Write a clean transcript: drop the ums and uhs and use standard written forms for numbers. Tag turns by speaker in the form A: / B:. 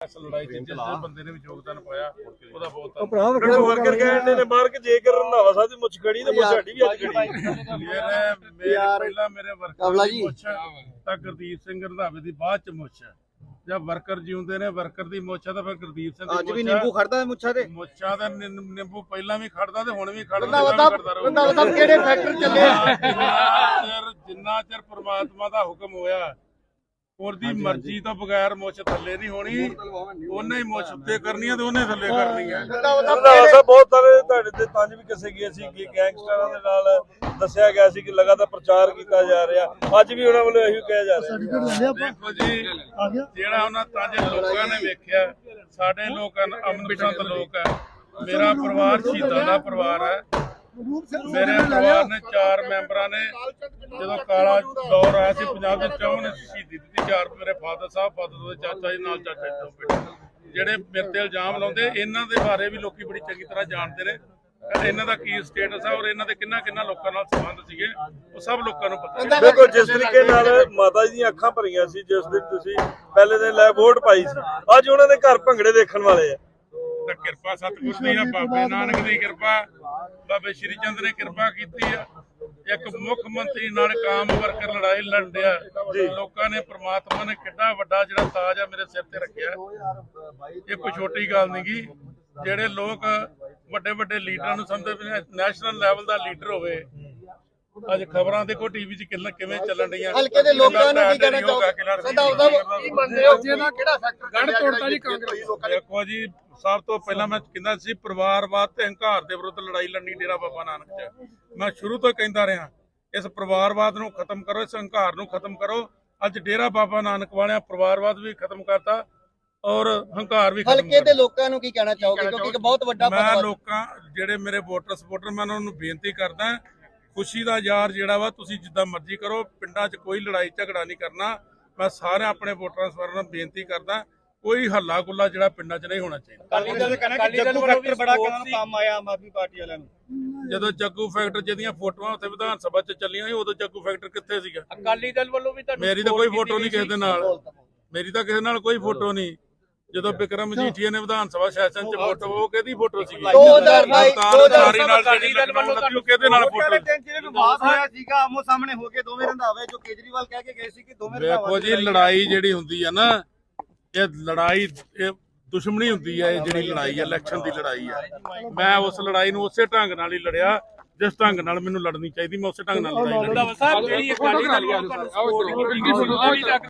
A: ਇਸ ਲੜਾਈ 'ਚ ਜਿਸ ਬੰਦੇ ਨੇ ਵੀ ਯੋਗਦਾਨ ਪਾਇਆ ਉਹਦਾ ਬਹੁਤ
B: ਵਰਕਰ ਕਹਿੰਦੇ ਨੇ ਮਾਰ ਕੇ ਜੇਕਰ ਰੰਧਾਵਾ ਸਾਹਿਬ ਦੀ ਮੁੱਛ ਖੜੀ ਤੇ ਮੁੱਛ ਸਾਡੀ ਵੀ ਅੱਜ ਖੜੀ।
A: ਪਹਿਲਾਂ ਮੇਰੇ ਵਰਕਰ ਦੀ ਮੁੱਛ ਤਾਂ ਗੁਰਦੀਪ ਸਿੰਘ ਰੰਧਾਵੇ ਦੀ ਬਾਅਦ 'ਚ ਮੁੱਛ ਹੈ। ਜਦ ਵਰਕਰ ਜਿਉਂਦੇ ਨੇ ਵਰਕਰ ਦੀ ਮੁੱਛ ਤਾਂ ਫਿਰ ਗੁਰਦੀਪ ਸਿੰਘ
C: ਅੱਜ ਵੀ ਨਿੰਬੂ ਖੜਦਾ ਮੁੱਛਾਂ ਤੇ
A: ਮੁੱਛਾਂ ਦਾ ਨਿੰਬੂ ਪਹਿਲਾਂ ਵੀ ਖੜਦਾ ਤੇ ਹੁਣ ਵੀ ਖੜਦਾ
C: ਰੰਧਾਵਾ ਕਿਹੜੇ ਫੈਕਟਰ ਚੱਲੇ
A: ਜਿੰਨਾ ਚਿਰ ਪ੍ਰਮਾਤਮਾ ਦਾ ਹੁਕਮ ਹੋਇਆ ਉਹਦੀ ਮਰਜ਼ੀ ਤੋਂ ਬਗੈਰ ਮੁੱਛ ਥੱਲੇ ਨਹੀਂ ਹੋਣੀ, ਉਹਨੇ ਹੀ ਮੁੱਛ ਉੱਤੇ ਕਰਨੀ ਹੈ ਤੇ ਉਹਨੇ ਥੱਲੇ ਕਰਨੀ ਹੈ।
B: ਰੰਧਾਵਾ ਸਾਹਿਬ ਬਹੁਤ ਸਾਰੇ ਤੁਹਾਡੇ ਤੇ ਤੰਜ ਵੀ ਕੱਸੇ ਗਏ ਸੀ ਕਿ ਗੈਂਗਸਟਰਾਂ ਦੇ ਨਾਲ ਦੱਸਿਆ ਗਿਆ ਸੀ ਕਿ ਲਗਾਤਾਰ ਪ੍ਰਚਾਰ ਕੀਤਾ ਜਾ ਰਿਹਾ, ਅੱਜ ਵੀ ਉਹਨਾਂ ਵੱਲੋਂ ਇਹੀ ਕਿਹਾ ਜਾ ਰਿਹਾ।
A: ਦੇਖੋ ਜੀ ਜਿਹੜਾ ਉਹਨਾਂ ਤੰਜ ਲੋਕਾਂ ਨੇ ਵੇਖਿਆ, ਸਾਡੇ ਲੋਕ ਅਮਨ ਪਸੰਦ ਲੋਕ ਹੈ, ਮੇਰਾ ਪਰਿਵਾਰ ਸ਼ਹੀਦਾਂ ਦਾ ਪਰਿਵਾਰ ਹੈ। ਮੇਰੇ ਪਰਿਵਾਰ ਨੇ 4 ਮੈਂਬਰਾਂ ਨੇ ਜਦੋਂ ਕਾਲਾ ਦੌਰ ਆਇਆ ਸੀ ਪੰਜਾਬ ਦੇ ਚੌਂ ਨੇ ਸ਼ਹੀਦੀ ਦਿੱਤੀ। 4 ਮੇਰੇ ਫਾਦਰ ਸਾਹਿਬ, ਫਾਦਰ ਦੇ ਚਾਚਾ ਜੀ ਨਾਲ ਚਾਚਾ ਜੀ ਤੋਂ ਬੇਟੇ ਜਿਹੜੇ ਮੇਰੇ ਤੇ ਇਲਜ਼ਾਮ ਲਾਉਂਦੇ, ਇਹਨਾਂ ਦੇ ਬਾਰੇ ਵੀ ਲੋਕੀ ਬੜੀ ਚੰਗੀ ਤਰ੍ਹਾਂ ਜਾਣਦੇ ਨੇ। ਇਹਨਾਂ ਦਾ ਕੀ ਸਟੇਟਸ ਹੈ ਔਰ ਇਹਨਾਂ ਦੇ ਕਿੰਨਾ ਲੋਕਾਂ ਨਾਲ ਸੰਬੰਧ ਸੀਗੇ ਉਹ ਸਭ ਲੋਕਾਂ ਨੂੰ ਪਤਾ।
B: ਦੇਖੋ ਜਿਸ ਤਰੀਕੇ ਨਾਲ ਮਾਤਾ ਜੀ ਦੀਆਂ ਅੱਖਾਂ ਭਰੀਆਂ ਸੀ ਜਿਸ ਦਿਨ ਤੁਸੀਂ ਪਹਿਲੇ ਦਿਨ ਲੈ ਵੋਟ ਪਾਈ ਸੀ, ਅੱਜ ਉਹਨਾਂ ਦੇ ਘਰ ਭੰਗੜੇ ਦੇਖਣ ਵਾਲੇ ਆ।
A: ਤਾਂ ਕਿਰਪਾ ਸਤਿਗੁਰ ਦੀ ਆ, ਬਾਬੇ ਨਾਨਕ ਦੀ ਕਿਰਪਾ, ਬਾਬੇ ਸ਼੍ਰੀ ਚੰਦ ਨੇ ਕਿਰਪਾ ਕੀਤੀ ਆ। ਇੱਕ ਮੁੱਖ ਮੰਤਰੀ ਨਾਲ ਕਾਮ ਵਰਕਰ ਲੜਾਈ ਲੜਿਆ, ਲੋਕਾਂ ਨੇ ਪ੍ਰਮਾਤਮਾ ਨੇ ਕਿੱਡਾ ਵੱਡਾ ਜਿਹੜਾ ਤਾਜ ਆ ਮੇਰੇ ਸਿਰ ਤੇ ਰੱਖਿਆ। ਇਹ ਕੋਈ ਛੋਟੀ ਗੱਲ ਨਹੀਂ ਗੀ। ਜਿਹੜੇ ਲੋਕ ਵੱਡੇ ਲੀਡਰਾਂ ਨੂੰ ਸਮਝਦੇ ਨੇ ਨੈਸ਼ਨਲ ਲੈਵਲ ਦਾ ਲੀਡਰ ਹੋਵੇ, ਅੱਜ ਖਬਰਾਂ ਦੇਖੋ ਟੀਵੀ 'ਚ ਕਿਵੇਂ ਚੱਲਣ ਰਹੀਆਂ।
C: ਹਲਕੇ ਦੇ ਲੋਕਾਂ ਨੂੰ ਕੀ ਕਹਿਣਾ ਚਾਹੋਗੇ? ਕੀ ਮੰਨਦੇ ਹੋ ਜਿਹਦਾ ਕਿਹੜਾ ਫੈਕਟਰ ਗੜ ਤੋੜਤਾ ਜੀ ਕਾਂਗਰਸ ਲੋਕਾਂ ਨੇ?
A: ਦੇਖੋ ਜੀ, ਸਭ ਤੋਂ ਪਹਿਲਾਂ ਮੈਂ ਕਹਿੰਦਾ ਸੀ ਪਰਿਵਾਰਵਾਦ ਤੇ ਹੰਕਾਰ ਦੇ ਵਿਰੁੱਧ ਲੜਾਈ ਲੜਨੀ ਡੇਰਾ ਬਾਬਾ ਨਾਨਕ 'ਚ। ਮੈਂ ਸ਼ੁਰੂ ਤੋਂ ਕਹਿੰਦਾ ਰਿਹਾ ਇਸ ਪਰਿਵਾਰਵਾਦ ਨੂੰ ਖਤਮ ਕਰੋ, ਇਸ ਹੰਕਾਰ ਨੂੰ ਖਤਮ ਕਰੋ। ਅੱਜ ਡੇਰਾ ਬਾਬਾ ਨਾਨਕ ਵਾਲਿਆਂ ਪਰਿਵਾਰਵਾਦ ਵੀ ਖਤਮ ਕਰਤਾ ਔਰ ਹੰਕਾਰ ਵੀ ਖਤਮ ਕਰਤਾ।
C: ਹਲਕੇ ਦੇ ਲੋਕਾਂ ਨੂੰ ਕੀ ਕਹਿਣਾ ਚਾਹੋਗੇ ਕਿਉਂਕਿ ਇੱਕ ਬਹੁਤ ਵੱਡਾ
A: ਮੈਂ ਲੋਕਾਂ ਜਿਹੜੇ ਮੇਰੇ ਵੋਟਰ ਸਪੋਰਟਰ ਮੈਂ ਉਹਨਾਂ ਨੂੰ ਬੇਨਤੀ ਕਰਦਾ, ਖੁਸ਼ੀ ਦਾ ਯਾਰ ਜਿਹੜਾ ਵਾ ਤੁਸੀਂ ਜਿੱਦਾਂ ਮਰਜ਼ੀ ਕਰੋ, ਪਿੰਡਾਂ 'ਚ ਕੋਈ ਲੜਾਈ ਝਗੜਾ ਨਹੀਂ ਕਰਨਾ। ਮੈਂ ਸਾਰੇ ਆਪਣੇ ਵੋਟਰਾਂ ਸਪੋਰਟਰਾਂ ਨੂੰ ਬੇਨਤੀ ਕਰਦਾ, ਕੋਈ ਹੱਲਾ ਗੁੱਲਾ ਜਿਹੜਾ ਪਿੰਡਾਂ 'ਚ ਨਹੀਂ ਹੋਣਾ ਚਾਹੀਦਾ।
C: ਜੱਗੂ ਫੈਕਟਰ ਬੜਾ ਕੰਮ ਆਇਆ ਆਮ ਆਦਮੀ ਪਾਰਟੀ ਵਾਲਿਆਂ ਨੂੰ।
A: ਜਦੋਂ ਜੱਗੂ ਫੈਕਟਰ ਜਿਹਦੀਆਂ ਫੋਟੋਆਂ ਉੱਥੇ ਵਿਧਾਨ ਸਭਾ 'ਚ ਚੱਲੀਆਂ ਸੀ ਉਦੋਂ ਜੱਗੂ ਫੈਕਟਰ ਕਿੱਥੇ ਸੀਗਾ?
D: ਅਕਾਲੀ ਦਲ ਵੱਲੋਂ ਵੀ
A: ਮੇਰੀ ਤਾਂ ਕੋਈ ਫੋਟੋ ਨਹੀਂ ਕਿਸੇ ਦੇ ਨਾਲ, ਮੇਰੀ ਤਾਂ ਕਿਸੇ ਨਾਲ ਕੋਈ ਫੋਟੋ ਨਹੀਂ। ਜਦੋਂ ਬਿਕਰਮ ਮਜੀਠੀਆ ਨੇ ਵਿਧਾਨ ਸਭਾ ਸੈਸ਼ਨ 'ਚ ਫੋਟੋ, ਉਹ ਕਿਹਦੀ ਫੋਟੋ ਸੀਗੀ?
C: 2022
A: ਨਾਲ ਕਿਹਦੇ ਨਾਲ ਫੋਟੋ?
C: ਜਿਹੜੇ ਵਿਵਾਦ ਹੋਇਆ ਸੀਗਾ ਆਮੋ ਸਾਹਮਣੇ ਹੋ ਕੇ ਦੋਵੇਂ ਰੰਧਾਵੇ ਜੋ ਕੇਜਰੀਵਾਲ ਕਹਿ ਕੇ ਗਏ ਸੀ ਕਿ ਦੋਵੇਂ
A: ਦੇਖੋ ਜੀ, ਲੜਾਈ ਜਿਹੜੀ ਹੁੰਦੀ ਆ ਨਾ, ਇਹ ਲੜਾਈ ਇਹ ਦੁਸ਼ਮਣੀ ਹੁੰਦੀ ਹੈ। ਇਹ ਜਿਹੜੀ ਲੜਾਈ ਹੈ ਇਲੈਕਸ਼ਨ ਦੀ ਲੜਾਈ ਹੈ। ਮੈਂ ਉਸ ਲੜਾਈ ਨੂੰ ਉਸੇ ਢੰਗ ਨਾਲ ਹੀ ਲੜਿਆ ਜਿਸ ਢੰਗ ਨਾਲ ਮੈਨੂੰ ਲੜਨੀ ਚਾਹੀਦੀ, ਮੈਂ ਉਸੇ ਢੰਗ ਨਾਲ ਲੜਾਈ ਲੜੀ।